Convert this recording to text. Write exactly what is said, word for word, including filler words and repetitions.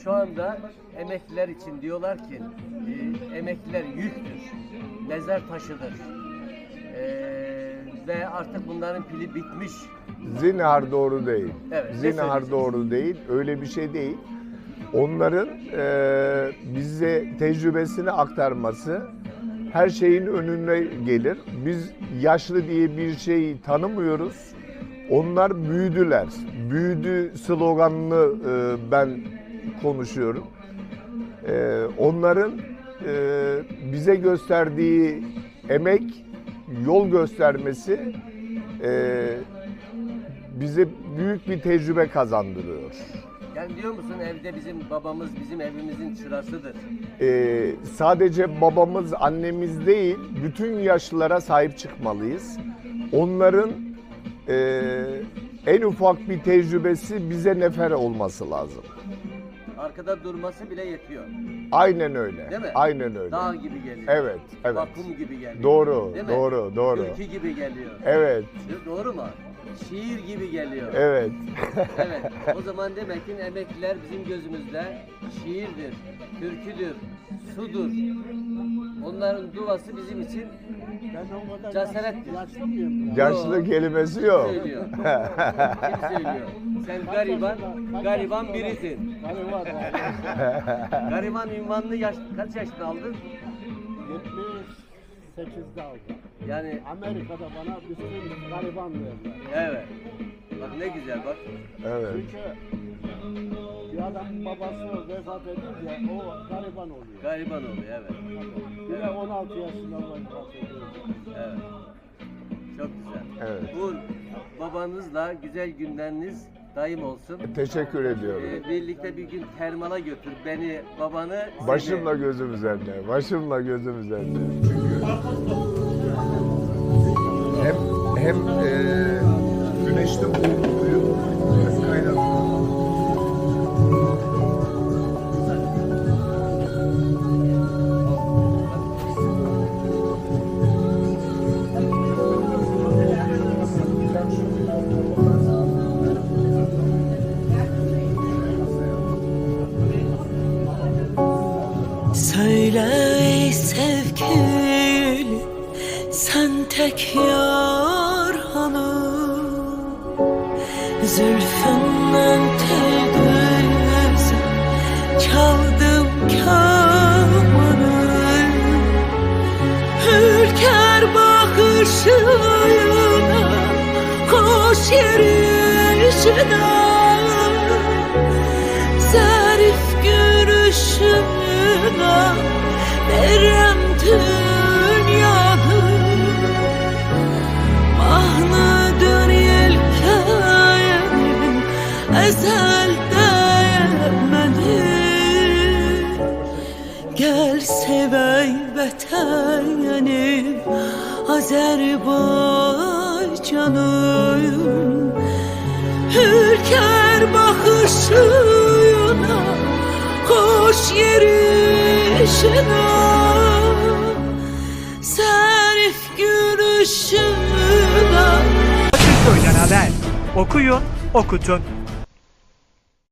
şu anda emekliler için diyorlar ki e, emekliler yüktür, mezar taşıdır e, ve artık bunların pili bitmiş. Zinhar doğru değil. Evet, Zinhar doğru değil. Öyle bir şey değil. Onların e, bize tecrübesini aktarması her şeyin önüne gelir. Biz yaşlı diye bir şeyi tanımıyoruz. Onlar büyüdüler. Büyüdü sloganını e, ben konuşuyorum. E, onların e, bize gösterdiği emek, yol göstermesi e, bize büyük bir tecrübe kazandırıyor. Yani diyor musun evde bizim babamız bizim evimizin çırasıdır. Ee, sadece babamız, annemiz değil, bütün yaşlılara sahip çıkmalıyız. Onların e, en ufak bir tecrübesi bize nefer olması lazım. Arkada durması bile yetiyor. Aynen öyle. Değil mi? Aynen öyle. Dağ gibi geliyor. Evet, evet. Vakum gibi geliyor. Doğru, Değil mi? doğru, doğru. Ülke gibi geliyor. Evet, Doğru mu? Şiir gibi geliyor. evet. Evet. O zaman demek ki emekliler bizim gözümüzde şiirdir, türküdür, sudur. Onların duası bizim için cesarettir. Yaşlı mıyım? Yaşlı kelimesi yok. Kim söylüyor? Kim söylüyor? Sen gariban, gariban birisin. Gariban. Gariban ünvanını yaş, kaç yaşında aldın? yetmiş sekizde aldım. Yani Amerika'da bana bütün gariban verdiler. evet. Bak ne güzel bak. Evet. Çünkü bir adam babası vefat edince o gariban oluyor. Gariban oluyor evet. Bir de on altı yaşında vefat ediyor. Evet. Çok güzel. Evet. Bu babanızla güzel günleriniz daim olsun. Teşekkür ediyorum. Ee, birlikte bir gün termala götür beni, babanı. seni. Başımla gözüm üzerinde. Başımla gözüm üzerinde. Çünkü hem hem e, güneşte boğuluyor, hem kaynatıyor. Söyle ey sevgilim, sen tek yar hanım, zülfünden tel gözüm, çaldım kamanı. Ülker bakışına, koş yürüyüşüne, zarif gülüşüne verem dünyanı. Mahnıdır yelkenim ezelde yemedim. Gel sevey vatenim Azerbaycanım. Ülker bakışına, koş yürüyüşüne, zarif gülüşüne. Akılköy'den haber. Okuyun, okutun.